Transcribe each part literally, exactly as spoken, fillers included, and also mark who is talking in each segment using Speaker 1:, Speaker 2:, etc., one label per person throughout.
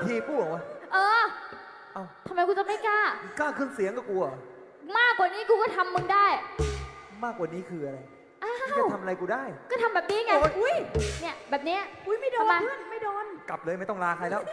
Speaker 1: ทีพูดเหรอวะ
Speaker 2: เออ
Speaker 1: เอ้า
Speaker 2: ทำไมกูจะไม่กล้า
Speaker 1: กล้าขึ้นเสียงกับกูเหรอ
Speaker 2: มากกว่านี้กูก็ทำมึงได้
Speaker 1: มากกว่านี้คืออะไร
Speaker 2: อ้า
Speaker 1: มึง
Speaker 2: ว
Speaker 1: จะทำอะไรกูได้
Speaker 2: ก็ทำแบบนี้ไง
Speaker 1: โอ๊ย
Speaker 2: อุ้ยเนี่ยแบบเนี้ย
Speaker 3: อุ้ยไม่โดน
Speaker 2: ทำไม
Speaker 3: เพื่อนไม่โดน
Speaker 1: กลับเลยไม่ต้องลาใครแล้ว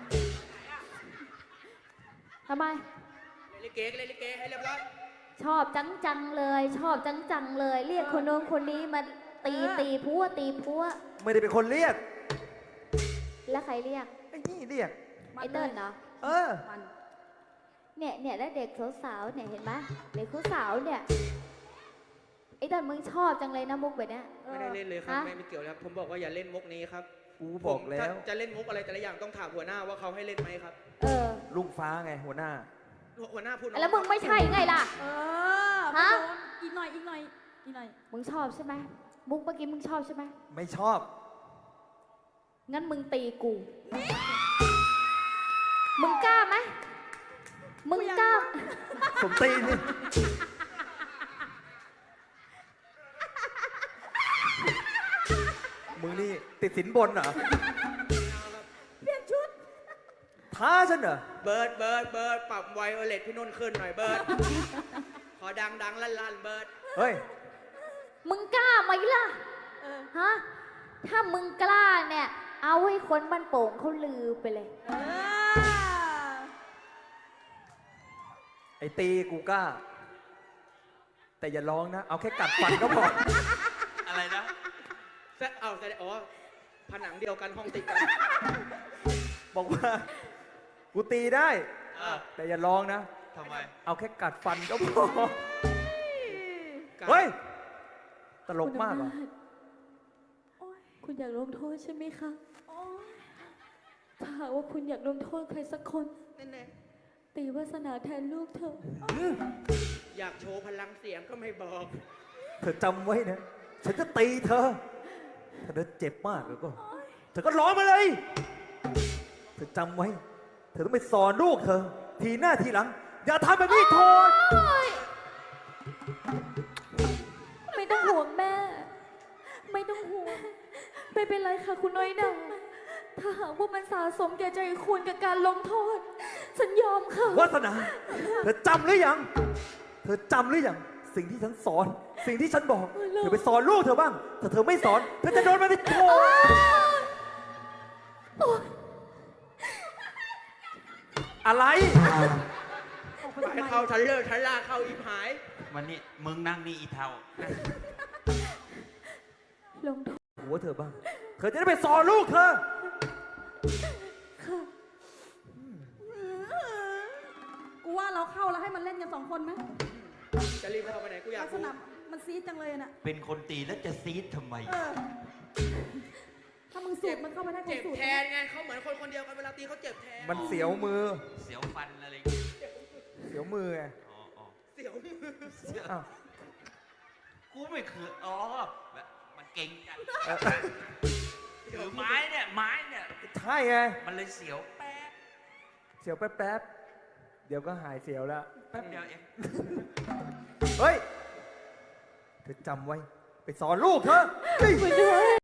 Speaker 2: ทำไม
Speaker 4: เล่นลิเกเล่นลิเกให้เรียบร้อย
Speaker 2: ชอบจังจังๆเลย ชอบจังจังๆเลย เรียกคนโน้นคนนี้มาตี
Speaker 3: เออ
Speaker 2: ตีพัวตีพัว
Speaker 1: ไม่ได้เป็นคนเรียก
Speaker 2: แล้วใครเรียก
Speaker 1: ไอ้นี่เรียก
Speaker 2: ไอ้เติ้ลเนาะ
Speaker 1: เออ
Speaker 3: มัน
Speaker 2: เนี่ยเนี่ยแล้วเด็กสาวๆเนี่ยเห็นไหมเด็กสาวๆเนี่ยไอ้เติ้ลมึงชอบจังเลยนะมุกแบบเนี้ย
Speaker 4: ไม่ได้เล่นเลยครับ
Speaker 2: ฮะ
Speaker 4: ไม่ไม่เกี่ยวแล้วผมบอกว่าอย่าเล่นมุกนี้ครับ
Speaker 1: กูบอกแล้ว
Speaker 4: ผมถ้าจะเล่นมุกอะไรแต่ละอย่างต้องถามหัวหน้าว่าเขาให้เล่นไหมครับ
Speaker 2: เออ
Speaker 1: ลุงฟ้าไงหัวหน้า
Speaker 4: หัวหน้าพูด
Speaker 2: แล้วมึงไม่ใช่ไงล่ะ
Speaker 3: เออ
Speaker 2: ฮะ
Speaker 3: ไม่โดนอีกหน่อยอีกหน่อยอีกหน่อย
Speaker 2: มึงชอบใช่ไหมมุกเมื่อกี้มึงชอบใช่ไหม
Speaker 1: ไม่ชอบ
Speaker 2: งั้นมึงตีกู มึงกล้าไหมมึงกล้า
Speaker 1: สมตีนนี่ มึงนี่ติดสินบนเหรอ
Speaker 3: เปลี่ยนชุด
Speaker 1: ท้าฉันเหรอ
Speaker 4: เบิร์ดเบิร์ดเบิร์ดปรับไวโอเลตพี่นุ่นขึ้นหน่อยเบิร์ดพอดังดังลั่นลั่นเบิร์ด
Speaker 1: เฮ้ย
Speaker 2: มึงกล้าไหมล่ะ
Speaker 3: เออ
Speaker 2: ฮะ ถ้ามึงกล้าเนี่ย เอาให้คนบ้านโป่งเขาลือไปเลย
Speaker 3: เออ
Speaker 1: ไอ้ตีกูกล้า แต่อย่าร้องนะ เอาแค่กัดฟันก็พอ
Speaker 4: อะไรนะแซะเอาแซะอ๋อผนังเดียวกันห้องติดกัน
Speaker 1: บอกว่า กูตีได้
Speaker 4: อ่ะ
Speaker 1: แต่อย่าร้องนะ
Speaker 4: ทำไม
Speaker 1: เอาแค่กัดฟันก็พอ เฮ้ย ตลกมากเหรอ
Speaker 3: โอ๊ย
Speaker 2: คุณอยากลงโทษใช่ไหมคะ
Speaker 3: โอ๊ย
Speaker 2: ถ้าหากว่าคุณอยากลงโทษใครสักคน
Speaker 4: แน่
Speaker 2: ตีวาสนาแทนลูกเธอ
Speaker 4: ๆอยากโชว์พลังเสียงก็ไม่บอก
Speaker 1: เธอจำไว้นะ ฉันจะตีเธอ ถ้าเธอเจ็บมากแล้วก็ เธอก็ร้องมาเลย เธอจำไว้ เธอต้องไปสอนลูกเธอ ทีหน้าทีหลัง อย่าทำแบบนี้โทษ
Speaker 2: ไม่ต้องห่วงแม่ ไม่ต้องห่วง ไม่เป็นไรค่ะคุณน้อยหนาถ้าหากว่ามันสะสมแก่ใจคุณกับการลงโทษ ฉันยอมค่ะ
Speaker 1: วาสนา เธอจำหรือยัง เธอจำหรือยัง สิ่งที่ฉันสอน สิ่งที่ฉันบอก เธอไปสอนลูกเธอบ้าง ถ้าเธอไม่สอน เธอจะโดนมันไปโทษอะไร
Speaker 4: ไปเข้าทันเลอร์ทันล่าเข้าอีหาย
Speaker 5: วันนี้มึงนั่งนี่อีเทา
Speaker 2: ลงโทษ
Speaker 1: หัวเธอบ้าง เธอจะได้ไปสอนลูกเธอ
Speaker 2: ค่ะ
Speaker 3: กูว่าเราเข้าแล้วให้มันเล่นกันสองคนไหม
Speaker 4: จะรีบเข้าไปไหนกูอยา
Speaker 3: ลั
Speaker 4: ก
Speaker 3: กษ
Speaker 4: รู้
Speaker 3: ณะมันซีดจังเลยน่ะ
Speaker 5: เป็นคนตีแล้วจะซีดทำไม
Speaker 3: เออ ถ้ามึงสูดมันเข้าไปได้คง
Speaker 4: เจ็บ
Speaker 3: สูด
Speaker 4: แทนไงเขาเหมือนคนคนเดียวกันเวลาตีเขาเจ็บแทน
Speaker 1: มันเสียวมือ
Speaker 5: เสียวฟันอะไรอย่างเงี้ย
Speaker 1: เสียวมือไง
Speaker 5: อ๋ออ๋อ
Speaker 4: เสียวมือ
Speaker 5: เสียว
Speaker 1: อ้าว
Speaker 5: กูไม่เคยอ๋อแบบมันเก่งกัน
Speaker 1: เออ
Speaker 5: ถือไม้เนี่ย ไม้เนี่ย
Speaker 1: ใช่ไง
Speaker 5: มันเลยเสียวแป๊บ
Speaker 1: เสียวแป๊บๆ เดี๋ยวก็หายเสียวแล้ว
Speaker 5: แป๊บเดียวเอง
Speaker 1: เฮ้ย เธอจำไว้ ไปสอนลูกเธอเฮ้ย